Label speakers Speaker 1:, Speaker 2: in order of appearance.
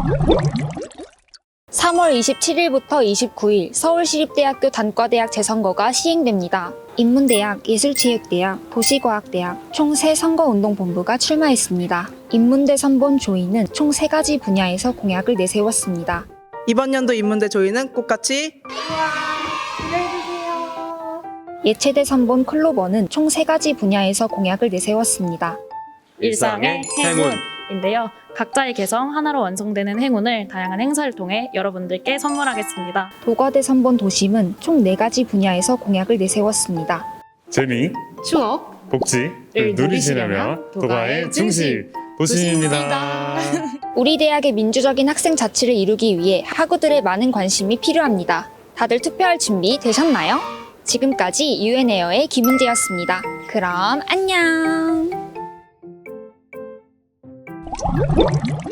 Speaker 1: 3월 27일부터 29일 서울시립대학교 단과대학 재선거가 시행됩니다. 인문대학, 예술체육대학, 도시과학대학 총 3선거운동본부가 출마했습니다. 인문대 선본 조이는 총 3가지 분야에서 공약을 내세웠습니다.
Speaker 2: 이번 연도 인문대 조이는 꽃같이
Speaker 1: 예체대 선본 클로버는 총 3가지 분야에서 공약을 내세웠습니다.
Speaker 3: 일상의 행운인데요. 각자의 개성 하나로 완성되는 행운을 다양한 행사를 통해 여러분들께 선물하겠습니다.
Speaker 1: 도과대 선본 도심은 총 4가지 분야에서 공약을 내세웠습니다.
Speaker 4: 재미,
Speaker 3: 추억,
Speaker 4: 복지를 누리시려면 도과의 중심, 도심입니다.
Speaker 1: 우리 대학의 민주적인 학생 자치를 이루기 위해 학우들의 많은 관심이 필요합니다. 다들 투표할 준비 되셨나요? 지금까지 UN에어의 김은재였습니다. 그럼 안녕!